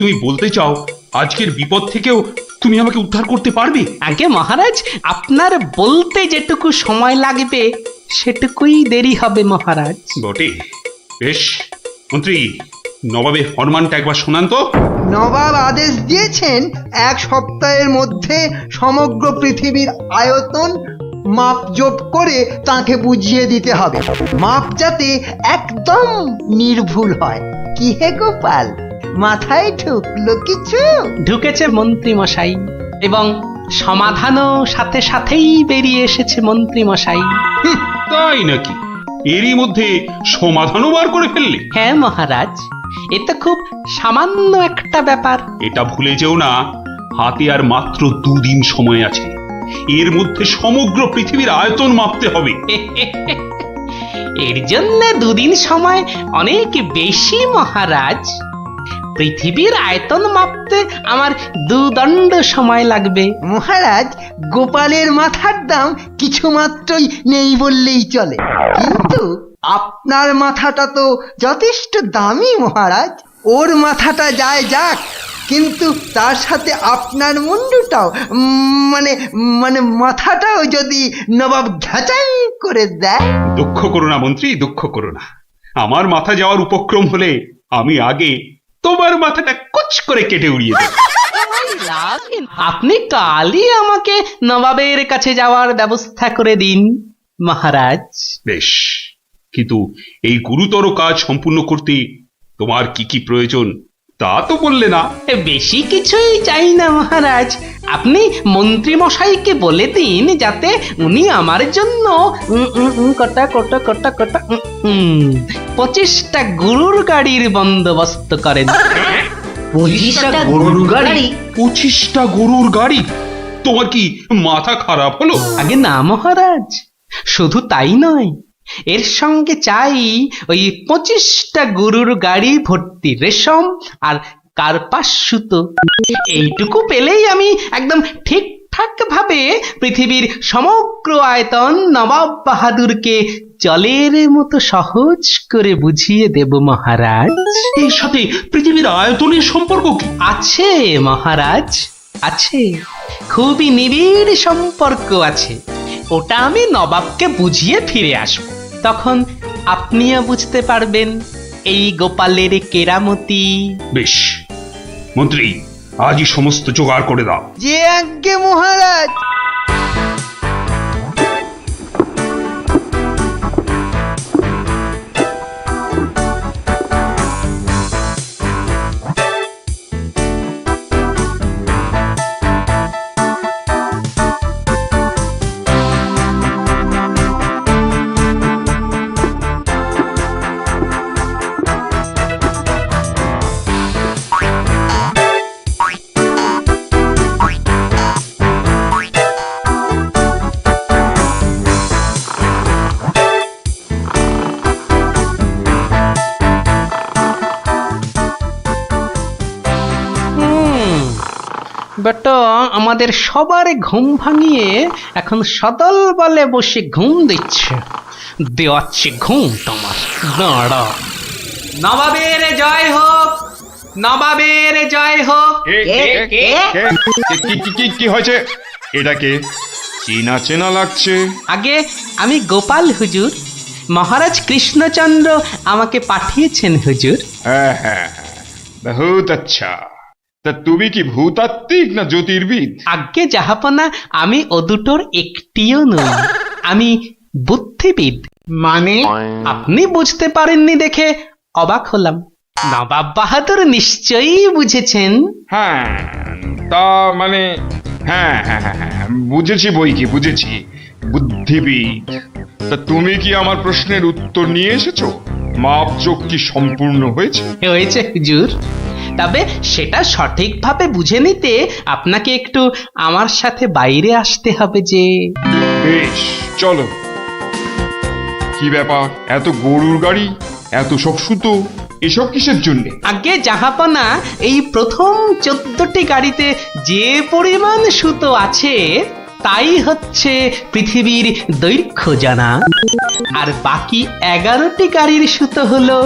তুমি বলতে চাও আজকের বিপদ থেকেও তুমি আমাকে উদ্ধার করতে পারবে? আগে মহারাজ, আপনার বলতে যেটুকু সময় লাগবে সেটুকুই দেরি হবে মহারাজ। বটে, বেশ। মন্ত্রী, নবাবের ফরমানটা একবার শোনান তো। নবাব আদেশ দিয়েছেন 1 সপ্তাহের মধ্যে সমগ্র পৃথিবীর আয়তন মাপজোপ করে তাকে বুঝিয়ে দিতে হবে, মাপ যাতে একদম নির্ভুল হয়। কি হে গোপাল, মাথায় ঢুকলো কিছু? ঢুকেছে মন্ত্রী মশাই, এবং সমাধানও সাথে সাথেই বেরিয়ে এসেছে মন্ত্রী মশাই। তাই নাকি? এরই মধ্যে সমাধানও বার করে ফেললে? হ্যাঁ মহারাজ, এ তো খুব সামান্য একটা ব্যাপার। এটা ভুলে যেও না, হাতে আর মাত্র 2 দিন সময় আছে। এর মধ্যে সমগ্র পৃথিবীর আয়তন মাপতে হবে। এর জন্য 2 দিন সময় অনেক বেশি মহারাজ। পৃথিবীর আয়তন মাপতে আমার 2 দণ্ড সময় লাগবে। মহারাজ, গোপালের মাথার দাম কিছু মাত্রই নেই বললেই চলে, কিন্তু আপনার মাথাটা তো যথেষ্ট দামি মহারাজ। ওর মাথাটা যায় যাক, কিন্তু তার সাথে আপনার মুন্ডুটাও মানে মানে মাথাটাও যদি নবাব ঘাচাই করে দেয়। দুঃখ করো না মন্ত্রী, দুঃখ করো না। আমার মাথা যাওয়ার উপক্রম হলে আমি আগে তোমার মাথাটা কুচ করে কেটে উড়িয়ে দেব। আপনি কালই আমাকে নবাবের কাছে যাওয়ার ব্যবস্থা করে দিন মহারাজ। বেশ, কিন্তু এই গুরুতর কাজ সম্পূর্ণ করতে তোমার কি কি প্রয়োজন তা তো বললে না। বেশি কিছুই চাই না মহারাজ, আপনি মন্ত্রী মশাইকে বলে দিন যাতে উনি আমার জন্য কটা 25টা গরুর গাড়ির বন্দোবস্ত করেন। 25টা গরুর গাড়ি? 25টা গরুর গাড়ি? তোমার কি মাথা খারাপ হলো? আগে না মহারাজ, শুধু তাই নয়, এর সঙ্গে চাই ওই 25টা গরুর গাড়ি ভর্তি রেশম আর কার্পাস সুতো। এইটুকু পেলেই আমি একদম ঠিকঠাক ভাবে পৃথিবীর সমগ্র আয়তন নবাব বাহাদুরকে জলের মতো সহজ করে বুঝিয়ে দেব মহারাজ। এর সাথে পৃথিবীর আয়তনের সম্পর্ক কি? আছে মহারাজ, আছে, খুবই নিবিড় সম্পর্ক আছে। ওটা আমি নবাবকে বুঝিয়ে ফিরে আসব, তখন আপনিও বুঝতে পারবেন এই গোপালের কেরামতি। বেশ মন্ত্রী, আজই সমস্ত জোগাড় করে দাও। যে আজ্ঞে মহারাজ। বেটা আমাদের সবার ঘুম ভাঙিয়ে এখন সদল বলে বসে ঘুম দিচ্ছে। দেওয়াচ্ছে ঘুম তোমার, দাঁড়া। নবাবের জয় হোক, নবাবের জয় হোক। কি হয়েছে? এটাকে চেনা চেনা লাগছে। আগে আমি গোপাল হুজুর, মহারাজ কৃষ্ণচন্দ্র আমাকে পাঠিয়েছেন হুজুর। হ্যাঁ হ্যাঁ, বহুত আচ্ছা। তা তুমি কি ভূতাত্ত্বিক না জ্যোতির্বিদ? আজ্ঞে জাহাপনা, আমি ও দুটোর একটিও নই, আমি বুদ্ধিবিদ। মানে? আপনি বুঝতে পারেননি দেখে অবাক হলাম, নবাব বাহাদুর নিশ্চয়ই বুঝেছেন। হ্যাঁ, তা মানে হ্যাঁ হ্যাঁ হ্যাঁ হ্যাঁ, বুঝেছি বই কি, বুঝেছি, বুদ্ধিবিদ। তা তুমি কি আমার প্রশ্নের উত্তর নিয়ে এসেছো? মাপজোক কি সম্পূর্ণ হয়েছে? হয়েছে হুজুর, তবে সেটা সঠিকভাবে বুঝে নিতে আপনাকে একটু আমার সাথে বাইরে আসতে হবে যে। বেশ, চলো। কি ব্যাপার, এত গরুর গাড়ি, এত সব সুতো, এসব কিসের জন্য? আগে জাহাপনা, এই প্রথম 14টি গাড়িতে যে পরিমাণ সুতো আছে তাই হচ্ছে পৃথিবীর দৈর্ঘ্য জানা, আর বাকি 11টি গাড়ির সুতো হলো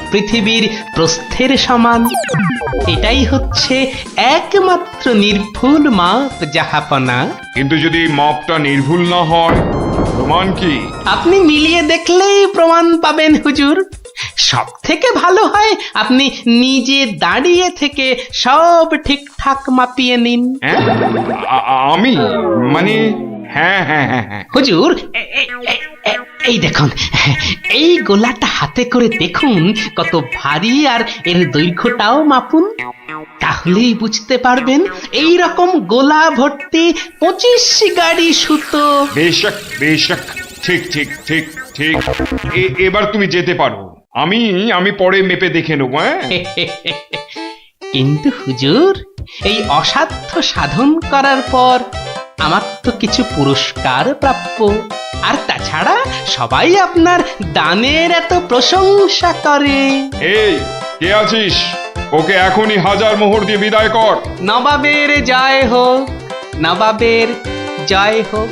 পৃথিবীর প্রস্থের সমান। এটাই হচ্ছে একমাত্র নির্ভুল মাপ জাহাপনা। কিন্তু যদি মাপটা নির্ভুল না হয়, প্রমাণ কি? আপনি মিলিয়ে দেখলেই প্রমাণ পাবেন হুজুর। সব থেকে ভালো হয় আপনি নিজে দাঁড়িয়ে থেকে সব ঠিকঠাক মাপিয়ে নিন। হ্যাঁ? আমি মানে হ্যাঁ হ্যাঁ হ্যাঁ হ্যাঁ হুজুর এই দেখুন, এই গোলাটা হাতে করে দেখুন কত ভারী, আর এর দৈর্ঘ্যটাও মাপুন। তাহলেই বুঝতে পারবেন এই রকম গোলা ভর্তি 25 গাড়ি সুতো। বেশক বেশক, ঠিক ঠিক ঠিক ঠিক। এবার তুমি যেতে পারো। আমি পরে মেপে দেখে নেবো। হ্যাঁ, কিন্তু হুজুর, এই অসাধ্য সাধন করার পর আমার তো কিছু পুরস্কার প্রাপ্য। আর তাছাড়া সবাই আপনার দানের এত প্রশংসা করে। এই কে আছিস? ওকে এখনই 1000 মোহর দিয়ে বিদায় কর। নবাবের জয় হোক, নবাবের জয় হোক।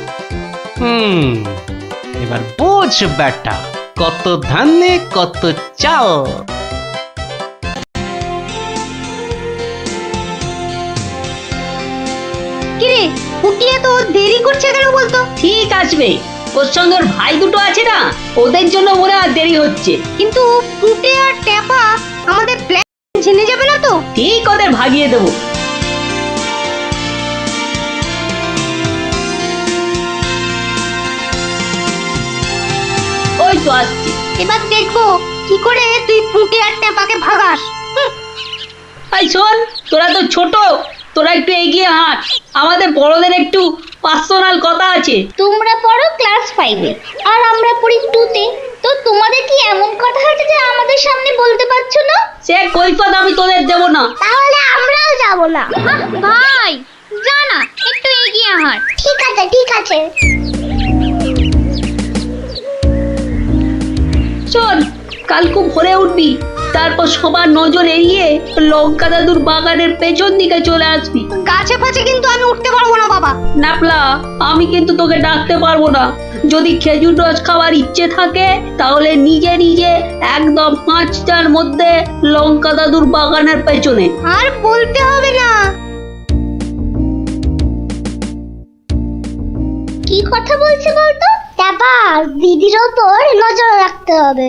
এবার বোঝ বেটা, কত ধানে কত চাল। কিরে ফুটিয়ে তো দেরি করছে কেন বলতো? ঠিক আসবে, ওর সঙ্গে ওর ভাই দুটো আছে না, ওদের জন্য মনে আর দেরি হচ্ছে। কিন্তু ফুটে আর ট্যাপা আমাদের প্ল্যান জেনে যাবে না তো? ঠিক ওদের ভাগিয়ে দেবো। ওই তো আসছি। এবার দেখবো কি করে তুই ফুটে আর ট্যাপাকে ভাগাস। এই শোন, তোরা তো ছোট, তোরা একটু এগিয়ে হাঁট। আমাদের বড়দের একটু পার্সোনাল কথা আছে। তোমরা পড়ো ক্লাস 5-এ আর আমরা পড়ি 2-তে, তো তোমাদের কি এমন কথা আছে যে আমাদের সামনে বলতে পারছো না? সে কৈফত আমি তোদের দেবো না। তাহলে আমরাও যাব না। ভাই যা না, একটু এগিয়ে হাঁট। ঠিক আছে ঠিক আছে। শোন, কাল খুব ভোরে উঠবি, তারপর সবার নজর এড়িয়ে লঙ্কা দাদুর বাগানের পেছন দিকে চলে আসবি। গাছে ফাছে কিন্তু আমি উঠতে পারবো না বাবা। নাপলা, আমি কিন্তু তোকে ডাকতে পারবো না। যদি খেজুর রস খাওয়ার ইচ্ছে থাকে তাহলে নিজে নিজে একদম 5টার মধ্যে লঙ্কা দাদুর বাগানের পেছনে। আর বলতে হবে না। কি কথা বলছে বলতো? তারপর দিদির ওপর নজর রাখতে হবে।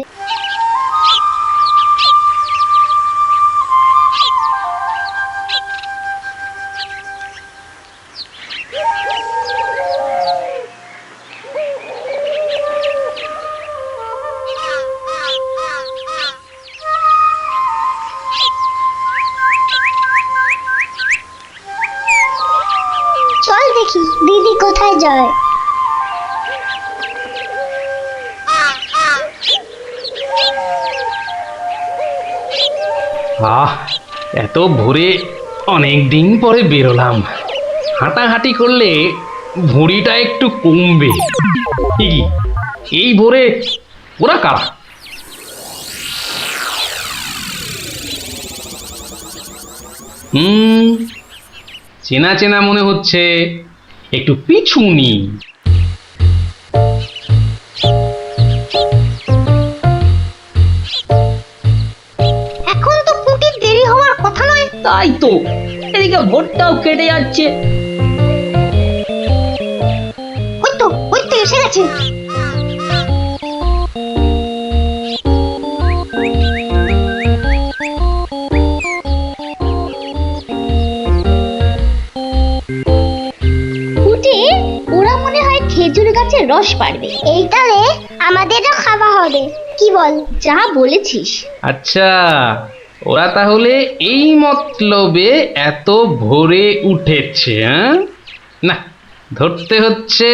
চল দেখি দিদি কোথায় যায়। এত ভোরে অনেক দিন পরে বেরোলাম। হাঁটাহাঁটি করলে ভুঁড়িটা একটু কমবে। কি এই ভোরে ওরা কারা? চেনা চেনা মনে হচ্ছে, একটু পিছু নি। এখন তো পুটির দেরি হওয়ার কথা নয়। তাই তো, এদিকে ভোটটাও কেটে যাচ্ছে। ওই তো এসে গেছে। ওরা মনে হয় খেজুর গাছের রস পাড়বে। এইটারে আমাদেরও খাওয়া হবে। কি বল? যা বলেছিস। আচ্ছা, ওরা তাহলে এই মতলবে এত ভোরে উঠেছে। না, ধরতে হচ্ছে।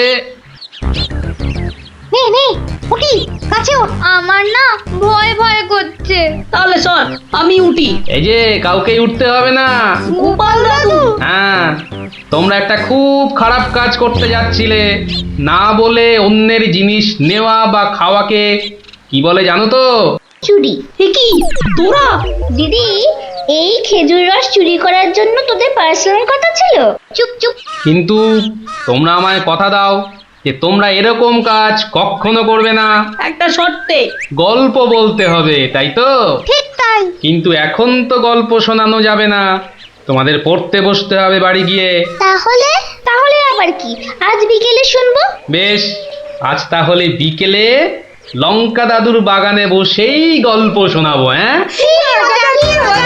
নে নে উঠি, কাছে ওঠ। আমার না ভয় ভয় করছে। তাহলে শোন, আমি উঠি। এই যে, কাউকে উঠতে হবে না। গোপাল দাদু, হ্যাঁ, তোমরা একটা খুব খারাপ কাজ করতে যাচ্ছিলে। না বলে অন্যের জিনিস নেওয়া বা খাওয়াকে কি বলে জানো তো? চুরি। কি তোরা? দিদি, এই খেজুর রস চুরি করার জন্য তোদের পার্সোনাল কথা ছিল? চুপ চুপ। কিন্তু তোমরা আমায় কথা দাও, যে তোমরা এরকম কাজ কখনো করবে না, একটা শর্তে। গল্প বলতে হবে, তাই তো? ঠিক তাই। কিন্তু এখন তো গল্প শোনানো যাবে না, তোমাদের পড়তে বসতে হবে বাড়ি গিয়ে। তাহলে তাহলে আবার কি, আজ বিকেলে শুনবো? বেশ, আজ তাহলে বিকেলে লঙ্কা দাদুর বাগানে বসেই গল্প শোনাবো, হ্যাঁ? কি মজা, কি মজা।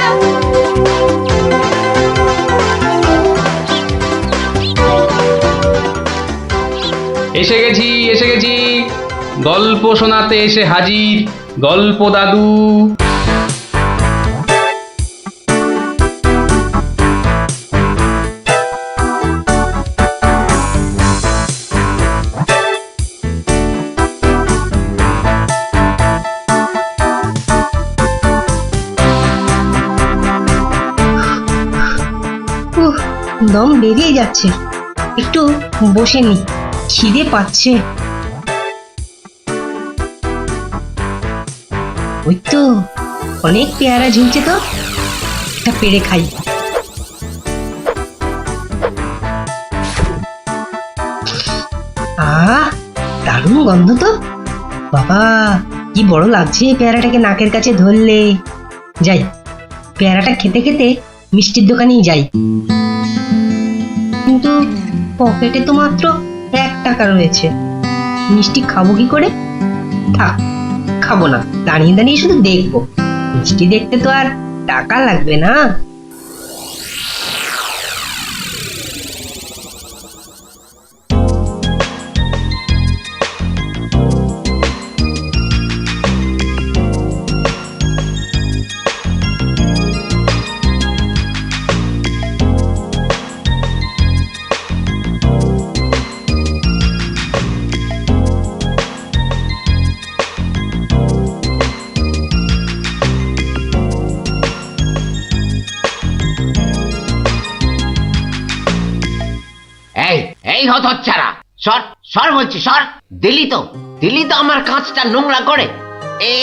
এসে গেছি, এসে গেছি, গল্প শোনাতে এসে হাজির গল্প দাদু। দম বেরিয়ে যাচ্ছে, একটু বসে নি, খিদে পাচ্ছে। ওই তো অনেক পেয়ারা ঝুলছে, তো একটা পেড়ে খাই। দারুণ গন্ধ তো, বাবা কি বড় লাগছে পেয়ারাটাকে নাকের কাছে ধরলে। যাই, পেয়ারাটা খেতে খেতে মিষ্টির দোকানেই যাই। কিন্তু পকেটে তো মাত্র 1 টাকা রয়েছে, মিষ্টি খাবো কি করে? থাক, খাবো না, দাঁড়িয়ে দাঁড়িয়ে শুধু দেখবো। মিষ্টি দেখতে তো আর টাকা লাগবে না। এই এই হতচ্ছাড়া, সর সর বলছি, সর। দিলি তো আমার কাঁচটা নোংরা করে। এ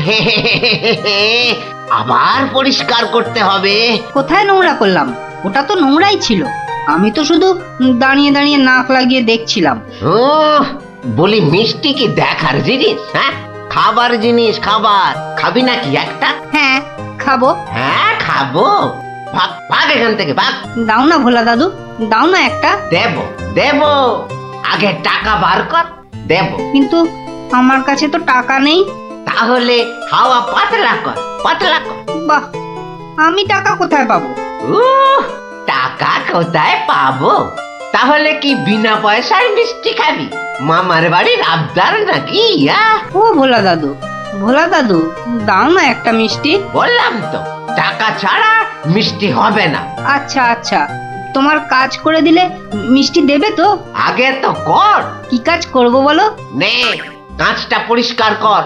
আবার পরিষ্কার করতে হবে। কোথায় নোংরা করলাম? ওটা তো নোংরাই ছিল। আমি তো শুধু দাঁড়িয়ে দাঁড়িয়ে নাক লাগিয়ে দেখছিলাম। ও বলি, মিষ্টি কি দেখার জিনিস? হ্যাঁ, খাবার জিনিস, খাবার। খাবি নাকি একটা? হ্যাঁ খাবো। হ্যাঁ খাবো, ভাগ ভাগ এখান থেকে, ভাগ। দাও না ভোলা দাদু, দাও না একটা। দেব দেব, আগে টাকা বার কর, দেব। কিন্তু আমার কাছে তো টাকা নেই। তাহলে হাওয়া পাতলা কর, পাতলা কর। বাহ, আমি টাকা কোথায় পাবো? টাকা কোথায় পাবো? তাহলে কি বিনা পয়সার মিষ্টি খাবি? মামার বাড়ির আবদার নাকি? ও ভোলা দাদু, ভোলা দাদু, দাও না একটা মিষ্টি। বললাম তো, টাকা ছাড়া মিষ্টি হবে না। আচ্ছা আচ্ছা, তোমার কাজ করে দিলে মিষ্টি দেবে তো? আগে তো কর। কি কাজ করব বলো? নে, কাঁচটা পরিষ্কার কর।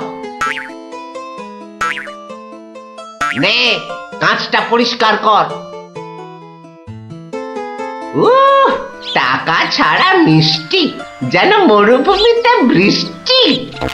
নে, কাঁচটা পরিষ্কার কর। টাকা ছাড়া মিষ্টি যেন মরুভূমিতে বৃষ্টি।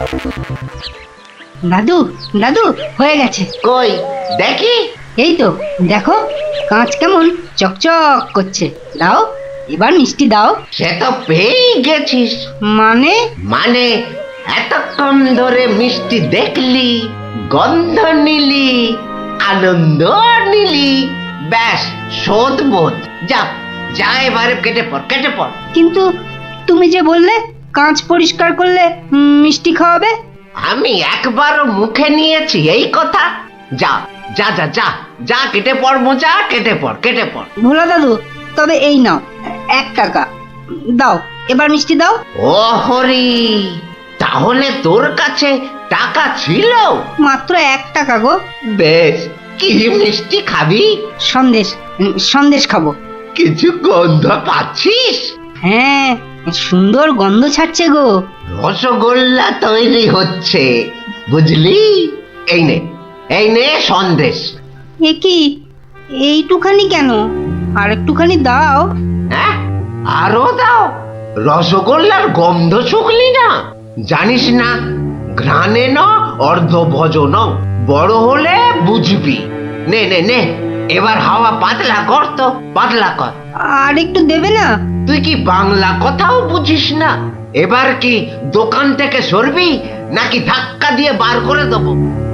দাদু দাদু, হয়ে গেছে। কই দেখি। এই তো দেখো, কাঁচ কেমন চকচক করছে। দাও, এবার মিষ্টি দাও। সে তো পেয়েই গেছিস। মানে? মানে এতক্ষণ ধরে মিষ্টি দেখলি, গন্ধ নিলি, আনন্দ নিলি, ব্যাস শোধ বোধ। যা যা, এবারে কেটে পড়, কেটে পড়। কিন্তু তুমি যে বললে কাঁচ পরিষ্কার করলে মিষ্টি খাওয়াবে। আমি একবারও মুখে নিয়েছি এই কথা? যা যা যা যা যা, কেটে পড় মোজা, কেটে পড়, কেটে পড়। ভোলা দাদু, তবে এই নাও 1 টাকা, দাও এবার মিষ্টি দাও। ও হরি, তাহলে তোর কাছে টাকা ছিল? মাত্র 1 টাকা গো। বেশ, কি মিষ্টি খাবি? সন্দেশ, সন্দেশ খাবো। কিছু গন্ধ পাচ্ছিস? হ্যাঁ, সুন্দর গন্ধ ছাড়ছে গো। রসগোল্লা তৈরি হচ্ছে, বুঝলি? এই নে, এই নে সন্দেশ। এ কি, এইটুখানি কেন? আর একটুখানি দাও। হ্যাঁ, আরো দাও। রসগোল্লার গন্ধ শুকলি না? জানিস না, ঘ্রাণে ন অর্ধ ভজন, বড় হলে বুঝবি। নে নে নে, এবার হাওয়া পাতলা কর তো, পাতলা কর। আর একটু দেবে না? তুই কি বাংলা কথাও বুঝিস না? এবার কি দোকান থেকে সরবি নাকি ধাক্কা দিয়ে বার করে দেবো?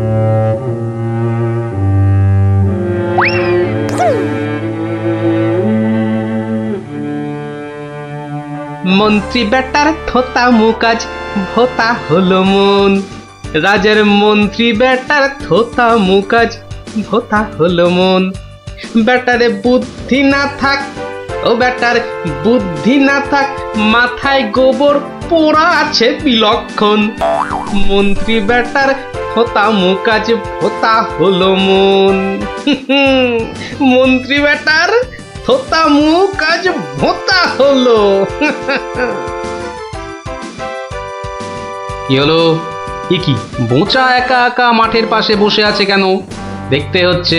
মন্ত্রী বেটার থোতা মুকাজ ভোতা হলো মন, রাজার মন্ত্রী বেটার থোতা মুকাজ ভোতা হলো মন। বেটারে বুদ্ধি না থাক, ও বেটার বুদ্ধি না থাক, মাথায় গোবর পোড়া আছে বিলক্ষণ। মন্ত্রী বেটার থোতা মুকাজ ভোতা হলো মন। মন্ত্রী বেটার থোতা মুকাজ ভোতা হলো। কি হলো? কি বোঁচা একা একা মাঠের পাশে বসে আছে কেন? দেখতে হচ্ছে।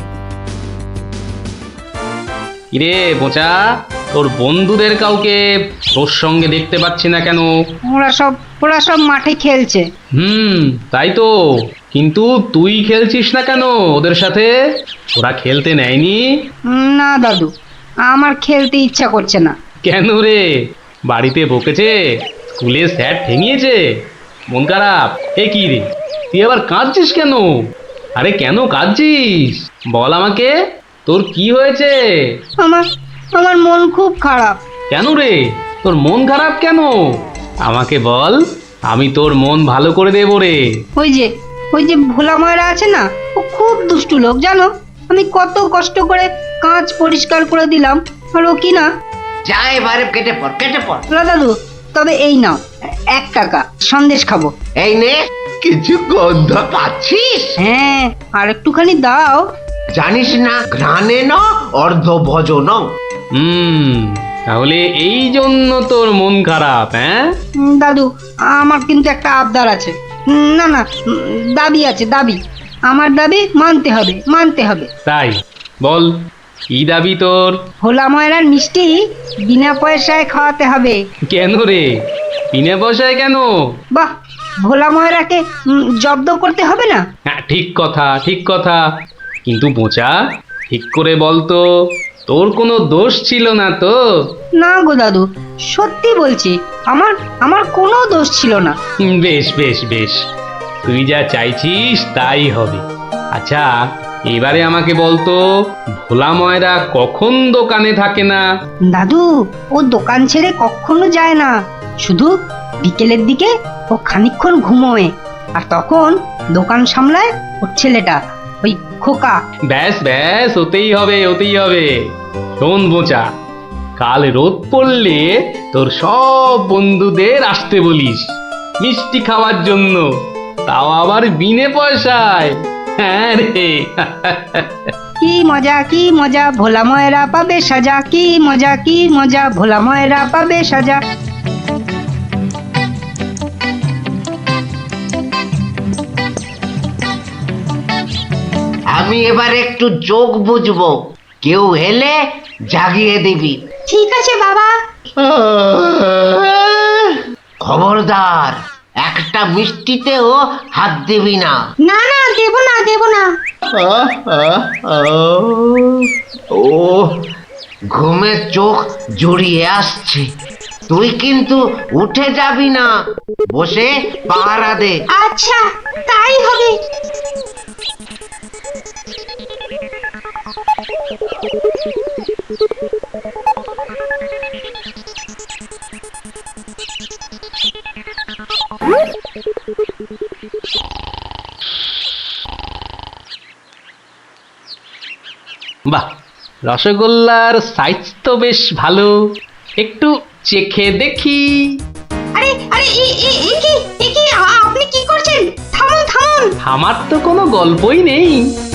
কিরে বোঁচা, তোর বন্ধুদের কাউকে তোর সঙ্গে দেখতে পাচ্ছি না কেন? ওরা সব মাঠে খেলছে। তাই তো, কিন্তু তুই খেলছিস না কেন ওদের সাথে? ওরা খেলতে নেয়নি? না দাদু, আমার খেলতে ইচ্ছা করছে না। কেন রে? বাড়িতে বকেছে? স্কুলে স্যার ঠেঙিয়েছে? মন খারাপ? এ কি রে, তুই আবার কাঁদছিস কেন? আরে কেন কাঁদছিস বল আমাকে, তোর কি হয়েছে? আমার মন খুব খারাপ। কেন রে, তোর মন খারাপ কেন? আমাকে বল, আমি তোর মন ভালো করে দেবো রে। ওই যে ভোলা ময়রা আছে না, ও খুব দুষ্টু লোক জানো। আমি কত কষ্ট করে কাঁচ পরিষ্কার করে দিলাম, আর ও কি না। যা এবারে কেটে পড়। দাদু, তবে এই নাও 1 টাকা, সন্দেশ খাবো। এই নে, কিছু গন্ধ পাচ্ছিস? হ্যাঁ, আর একটুখানি দাও। জানিস না ঘ্রাণে ন অর্ধ ভজন। তাহলে এই জন্য তোর মন খারাপ? হ্যাঁ দাদু, আমার কিন্তু একটা আবদার আছে। না, দাবি আছে, দাবি। আমার দাবি মানতে হবে। তাই বল, কি দাবি তোর? ভোলা ময়রার মিষ্টি বিনা পয়সায় খাওয়াতে হবে। কেন রে, বিনা পয়সায় কেন? বাহ, ভোলা ময়রাকে জব্দ করতে হবে না? হ্যাঁ, ঠিক কথা। কিন্তু বোঁচা, ঠিক করে বল তো, তোর কোনো দোষ ছিল না তো? না গো দাদু, সত্যি বলছি, আমার কোনো দোষ ছিল না। বেশ, তুই যা চাইছিস তাই হবে। আচ্ছা, এবারে আমাকে বলতো, ভোলা ময়রা কখন দোকানে থাকে না? দাদু, ও দোকান ছেড়ে কখনো যায় না। শুধু বিকেলের দিকে ও খানিকক্ষণ ঘুমোয়, আর তখন দোকান সামলায় ওর ছেলেটা, ওই খোকা। ব্যাস, ওতেই হবে। শোন বোঁচা, কাল রোদ পড়লে তোর সব বন্ধুদের আসতে বলিস মিষ্টি খাওয়ার জন্য, তাও আবার বিনে পয়সায়। হ্যাঁ রে। কি মজা, ভোলা ময়রা পাবে সাজা। কি মজা, ভোলা ময়রা পাবে সাজা। আমি এবার একটু চোখ বুঝবো, কেউ এলে জাগিয়ে দিবি। ঠিক আছে বাবা। খবরদার, একটা মিষ্টিতেও হাত দিবি না। না, দেব না। ও ঘুমের চোখ জড়িয়ে আসছে। তুই কিন্তু উঠে যাবি না, বসে পাহারা দে। আচ্ছা, তাই হবে। বাহ, রসগোল্লার সাইজ তো বেশ ভালো, একটু চেখে দেখি। আরে আপনি কি করছেন? থামুন। আমার তো কোনো গল্পই নেই।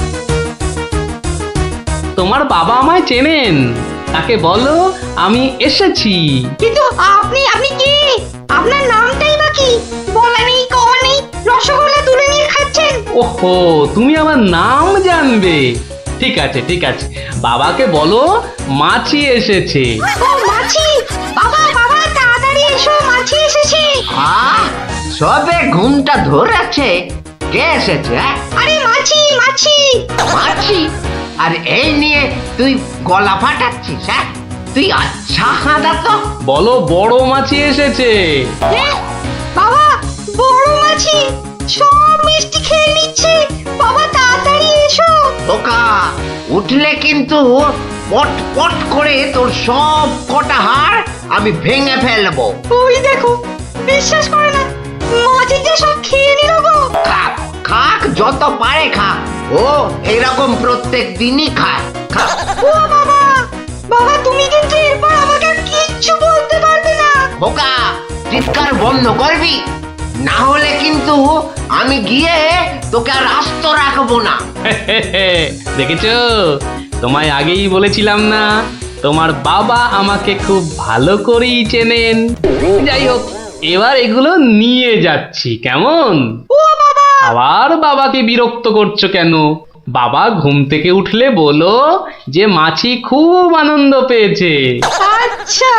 তোমার বাবা আমায় চেনেন, তাকে বলো আমি এসেছি। কিন্তু আপনি কি? আপনার নামটাই বা কি? বলা নেই, কওয়া নেই, রসগোল্লা তুলে নিয়ে খাচ্ছেন। ওহো, তুমি আমার নাম জানবে? ঠিক আছে, বাবাকে বলো মাছি এসেছে। ও মাছি! বাবা, তাড়াতাড়ি এসো, মাছি এসেছে। সবে ঘুমটা ধরেছে, কে এসেছে? আরে মাছি। মাছি? আর এই নিয়ে তুই গলা ফাটাচ্ছিস? হ্যাঁ, সত্যি আচ্ছা হাঁদা তো। বলো বড় মাছি এসেছে। বাবা বড় মাছি সব মিষ্টি খেয়ে নিচ্ছে, বাবা তাড়াতাড়ি এসো। ওকা উঠলে কিন্তু পট পট করে তোর সব কটা হাড় আমি ভেঙে ফেলবো। ওই দেখো, বিশ্বাস করে না, মাছি যে সব খেয়ে নিল গো। খাক খাক, যত পারে খাক। ও এরকম প্রত্যেক দিনই খায়। খাক। ও বাবা, বাবা তুমি কিন্তু এরপর আমাকে আর কিচ্ছু বলতে পারবে না। বোকা চিৎকার বন্ধ করবি, না হলে কিন্তু আমি গিয়ে তোকে আর আস্ত রাখবো না। দেখেছো, তোমায় আগেই বলেছিলাম না, তোমার বাবা আমাকে খুব ভালো করেই চেনেন। যাই হোক, এবার এগুলো নিয়ে যাচ্ছি, কেমন? আবার বাবাকে বিরক্ত করছো কেন? বাবা ঘুম থেকে উঠলে বলো যে মাছি খুব আনন্দ পেয়েছে। আচ্ছা।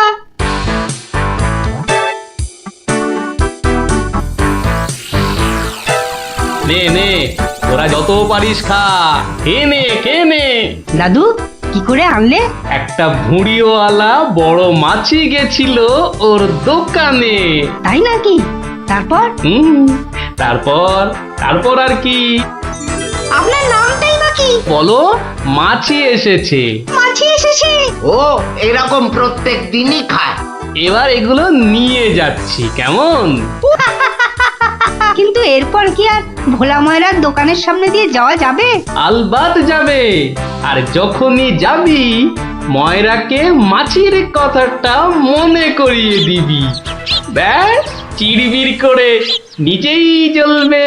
নে নে, তোরা যত পারিস খা, খেয়ে নে খেয়ে নে। দাদু কি করে আনলে? একটা ভুঁড়িওয়ালা বড় মাছি গেছিল ওর দোকানে। তাই নাকি? তারপর? তারপর তারপর আর কি? আপনার নামটাই নাকি? বলো, মাছি এসেছে। মাছি এসেছে? ও এরকম প্রত্যেক দিনই খায়। এবার এগুলো নিয়ে যাচ্ছি, কেমন? কিন্তু এরপর কি আর ভোলা ময়রার দোকানের সামনে দিয়ে যাওয়া যাবে? আলবাত যাবে। আর যখনই যাবি, ময়রাকে মাছির কথাটা মনে করিয়ে দিবি। ব্যাস, চিড়বিড় করে নিজেই জ্বলবে।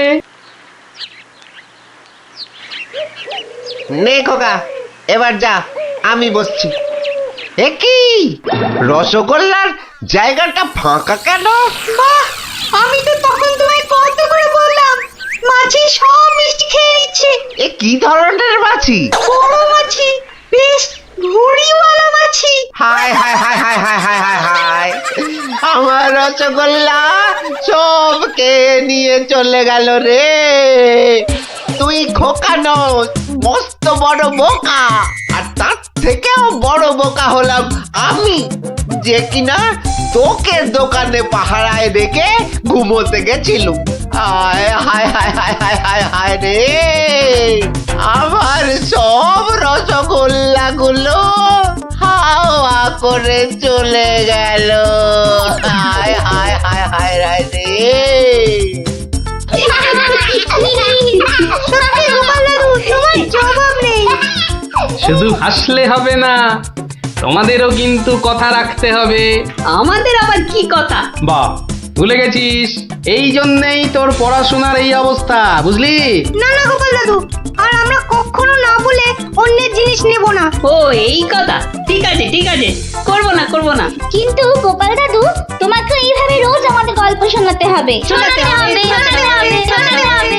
নে খোকা, এবার যা, আমি বসছি। এ কি রসগোল্লার জায়গাটা ফাঁকা কেন? বাহ, আমি তো তখন তোমায় কত করে বললাম মাছি সব মিষ্টি খেয়ে নিচ্ছে। এ কি ধরনের মাছি? বড় মাছি, বেশ ভুঁড়িওয়ালা মাছি। হায় হায় হায় হায় হায় হায় হায় হায়, আমার রসগোল্লা সব কে নিয়ে চলে গেল রে। তুই খোকা নস, মস্ত বড় বোকা। আর তার থেকেও বড় বোকা হলাম আমি, যে কিনা তোকে দোকানে পাহারায় রেখে ঘুমোতে গেছিলুম। হায় হায় হায় হায় হায় হায় হায় রে, আমার সব রসগোল্লা গুলো হাওয়া করে চলে গেল। হায় হায় হায় হায় হায় রে। সত্যি গোপাল দাদু, তোমার জবাব নেই। শুধু হাসলে হবে না, তোমাদেরও কিন্তু কথা রাখতে হবে। আমাদের আবার কি কথা? বাহ, ভুলে গেছিস? এই জন্যেই তোর পড়াশোনার এই অবস্থা, বুঝলি? না না গোপাল দাদু, আর আমরা কখনো না বলে অন্যের জিনিস নেব না। ও এই কথা, ঠিক আছে ঠিক আছে, করবো না করবো না। কিন্তু গোপাল দাদু, তোমাকে এইভাবে রোজ আমাদের গল্প শোনাতে হবে। শোনাতে হবে, শোনাতে হবে, শোনাতে হবে।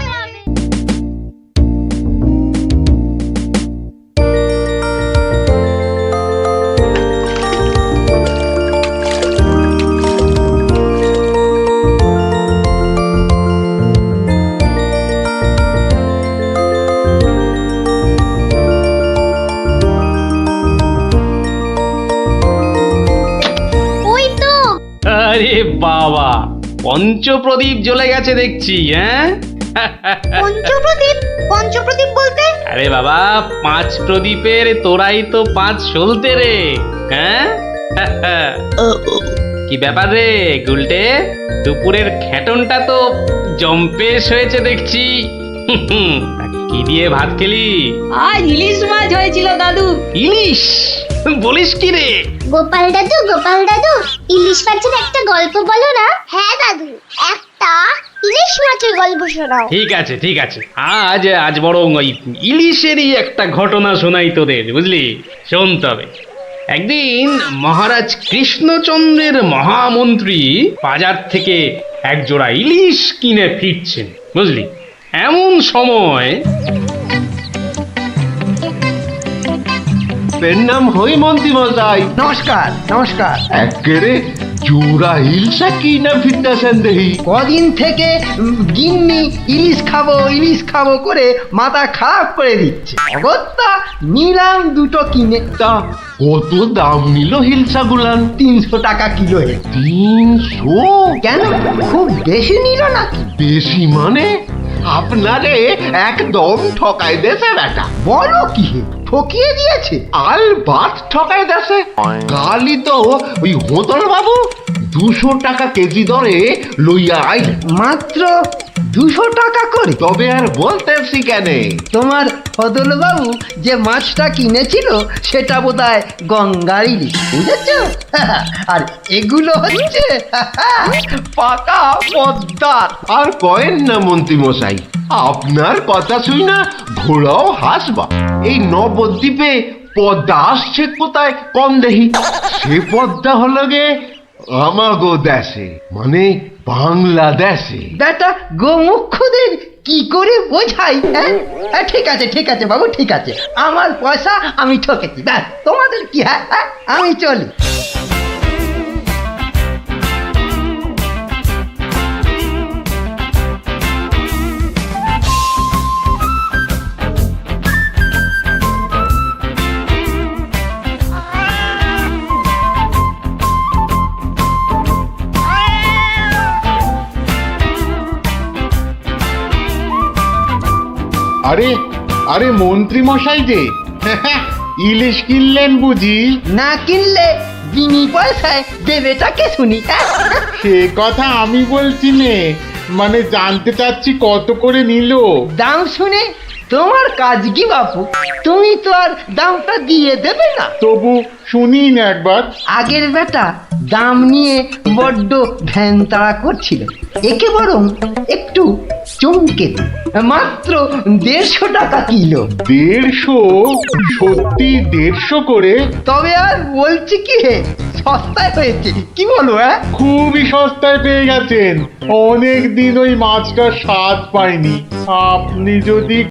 আরে বাবা, পঞ্চপ্রদীপ জ্বলে গেছে দেখছি। হ্যাঁ, পঞ্চপ্রদীপ? পঞ্চপ্রদীপ বলতে? আরে বাবা, 5 প্রদীপের তোরাই তো 5 সলতে রে। হ্যাঁ, কি ব্যাপার রে গুলটে, দুপুরের খেটনটা তো জম্পেশ হয়েছে দেখছি। কি দিয়ে ভাত খেলি? আজ ইলিশ মাছ হয়েছিল দাদু। ইলিশ? বলিস কি রে? গোপাল দাদু, গোপাল দাদু, ইলিশ মাছের একটা গল্প বলো না। হ্যাঁ দাদু, একটা ইলিশ মাছের গল্প শোনাও। ঠিক আছে ঠিক আছে, আজ বরং ওই ইলিশেরই একটা ঘটনা শোনাই তোদের, বুঝলি? শোন তবে। একদিন মহারাজ কৃষ্ণচন্দ্রের মহামন্ত্রী বাজার থেকে এক জোড়া ইলিশ কিনে ফিরছেন, বুঝলি? এমন সময় নাম হই মন্ত্রী মশাই। নমস্কার নমস্কার। একেরে জোড়া হিলসা কি না ফিরতেছেন দেখি। কদিন থেকে গিন্নি ইলিশ খাবো করে মাথা খারাপ করে দিচ্ছে। অগত্যা নিলাম দুটো কিনে। তা কত দাম নিল হিলসা গুলান? 300 টাকা কিলো। 300? কেন, খুব বেশি নিল নাকি? বেশি মানে? আপনারে একদম ঠকাই দেছে বেটা। বলো কি হে, ঠকিয়ে দিয়েছে? আল বাত ঠকাই দেছে। কালই তো ওই হোতল বাবু 200 টাকা কেজি দরে লইয়া আইল। মাত্র 200 টাকা করে? তবে আর বলতেছি কেন, তোমার ফদলবাবু যে মাছটা কিনেছিল সেটা বোধহয় গঙ্গার ইলিশ, বুঝেছ? আর এগুলো হচ্ছে পাকা পদ্মার। আর কয়েন না মন্ত্রী মশাই, আপনার কথা শুই না ঘোড়াও হাসবা। এই নবদ্বীপে পদ্মা আসছে কোথায় কম দেখি। সে পদ্মা হলো গে আমাগো দেশে, মানে বাংলাদেশে। বেটা গোমুখদের কি করে বোঝাই? হ্যাঁ, ঠিক আছে বাবু, ঠিক আছে। আমার পয়সা আমি ঠকেছি, ব্যাস। তোমাদের কি? হ্যাঁ, আমি চলি। আরে আরে মন্ত্রী মশাই যে ইলিশ কিনলেন বুঝি? না কিনলে বিনি পয়সায় দেবেটাকে শুনি। সে কথা আমি বলছি নে, মানে জানতে চাচ্ছি কত করে নিল। দাম শুনে তোমার কাজ কি বাপু? তুমি তো আর দামটা দিয়ে দেবে না। তবু শুনি না একবার। আগের বেটা দাম নিয়ে বড্ড ভ্যান তাড়া করছিল, একে বরং একটু চমকে দিই। মাত্র 150 টাকা কিলো। 150? সত্যি 150 করে? তবে আর বলছি কি হে, সস্তায় হয়েছে, কি বলো? খুবই সস্তায় পেয়ে গেছেন। অনেক দিন ওই মাছটার স্বাদ পাইনি। আপনি যদি